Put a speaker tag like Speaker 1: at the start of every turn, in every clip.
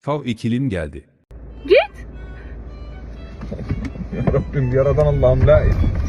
Speaker 1: Fav ikilim geldi.
Speaker 2: Git.
Speaker 3: Ya Rabbim yaradan Allah'ım la.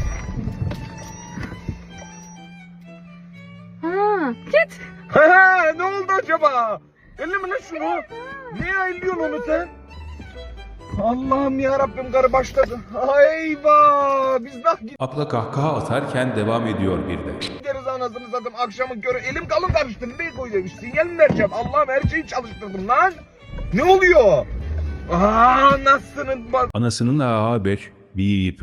Speaker 2: Ha, git.
Speaker 3: Ne oldu acaba? Elleme lan şunu. Niye ayılıyorsun onu sen? Allah'ım ya Rabbim karı başladı. Eyvah! Biz nah
Speaker 1: Abla kahkaha atarken devam ediyor bir de.
Speaker 3: gideriz anasını satayım akşamın körü. Elim kalın karıştı. Nereye koy demiş. Sinyal mi vereceğim? Allah'ım her şeyi çalıştırdım lan. Ne oluyor? Nasılsın bak.
Speaker 1: Anasının A5 bip.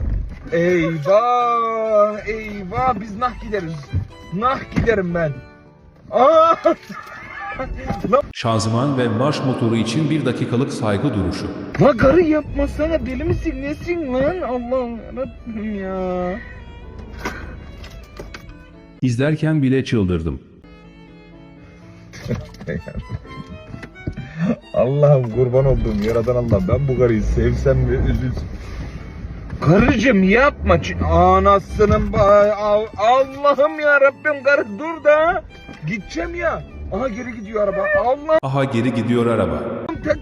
Speaker 3: Eyvah! Eyvah! Biz nah gideriz. Nah giderim ben. Aa!
Speaker 1: Şanzıman ve marş motoru için 1 dakikalık saygı duruşu.
Speaker 3: La karı yapmasana, deli misin nesin lan? Allah'ım yarabbim ya.
Speaker 1: İzlerken bile çıldırdım.
Speaker 3: Allah'ım kurban olduğum yaradan Allah, ben bu karıyı sevsem mi üzülsem. Karıcığım yapma. Anasının Allah'ım ya Rabbim, karı dur da. Gideceğim ya. Aha geri gidiyor araba. Allah'ım
Speaker 1: Aha geri gidiyor araba.
Speaker 3: tek...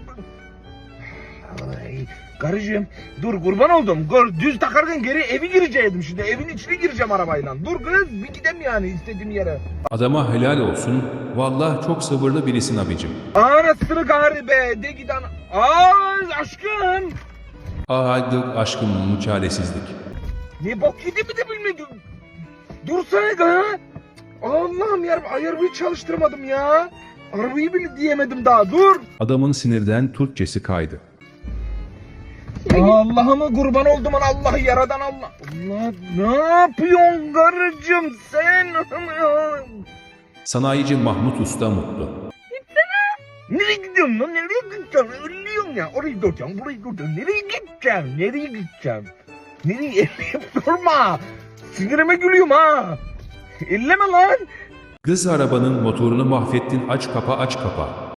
Speaker 3: Ay, karıcığım dur kurban oldum. Düz takarken geri evi gireceğim şimdi. Evin içine gireceğim arabayla. Dur kız bir gidem yani istediğim yere.
Speaker 1: Adama helal olsun. Vallahi çok sabırlı birisin abicim.
Speaker 3: Anasını gari be. De giden. Aşkım.
Speaker 1: Hadi aşkım çaresizlik.
Speaker 3: Ne bok yedi mi de bilmedim. Dursana ga. Allah'ım ya arabayı çalıştırmadım ya. Arabayı bile diyemedim daha. Dur.
Speaker 1: Adamın sinirden Türkçesi kaydı.
Speaker 3: Allah'ıma kurban oldum Allah yaradan Allah. Allah ne yapıyorsun karıcığım sen?
Speaker 1: Sanayici Mahmut Usta mutlu.
Speaker 3: Nereye gidiyorsun lan? Nereye gideceksin? Ölüyorsun ya. Orayı duracaksın, burayı duracaksın. Nereye gideceksin? Nereye gideceksin? Nereye elleyip durma. Sinirime gülüyorum ha. Elleme lan.
Speaker 1: Kız arabanın motorunu mahvettin, aç kapa aç kapa.